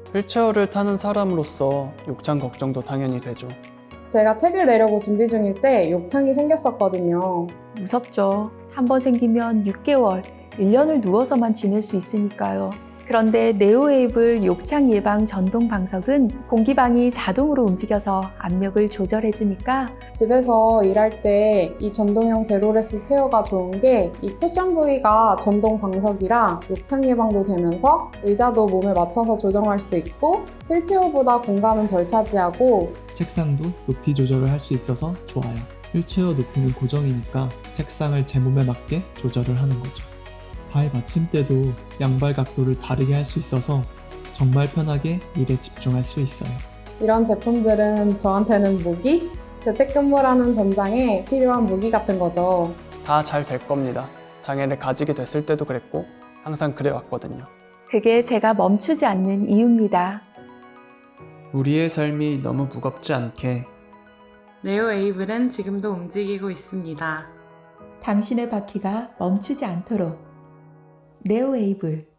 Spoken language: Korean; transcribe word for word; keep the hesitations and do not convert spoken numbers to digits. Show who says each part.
Speaker 1: 휠체어를 타는 사람으로서 욕창 걱정도 당연히 되죠.
Speaker 2: 제가 책을 내려고 준비 중일 때 욕창이 생겼었거든요.
Speaker 3: 무섭죠. 한 번 생기면 육 개월, 일 년을 누워서만 지낼 수 있으니까요. 그런데 네오웨이블 욕창 예방 전동 방석은 공기방이 자동으로 움직여서 압력을 조절해주니까
Speaker 2: 집에서 일할 때 이 전동형 제로레스 체어가 좋은 게 이 쿠션 부위가 전동 방석이라 욕창 예방도 되면서 의자도 몸에 맞춰서 조정할 수 있고 휠체어보다 공간은 덜 차지하고
Speaker 4: 책상도 높이 조절을 할 수 있어서 좋아요. 휠체어 높이는 고정이니까 책상을 제 몸에 맞게 조절을 하는 거죠. 발 받침대도 양발 각도를 다르게 할 수 있어서 정말 편하게 일에 집중할 수 있어요.
Speaker 2: 이런 제품들은 저한테는 무기? 재택근무라는 전장에 필요한 무기 같은 거죠.
Speaker 1: 다 잘 될 겁니다. 장애를 가지게 됐을 때도 그랬고 항상 그래왔거든요.
Speaker 3: 그게 제가 멈추지 않는 이유입니다.
Speaker 1: 우리의 삶이 너무 무겁지 않게
Speaker 5: 네오웨이블은 지금도 움직이고 있습니다.
Speaker 6: 당신의 바퀴가 멈추지 않도록 네오웨이블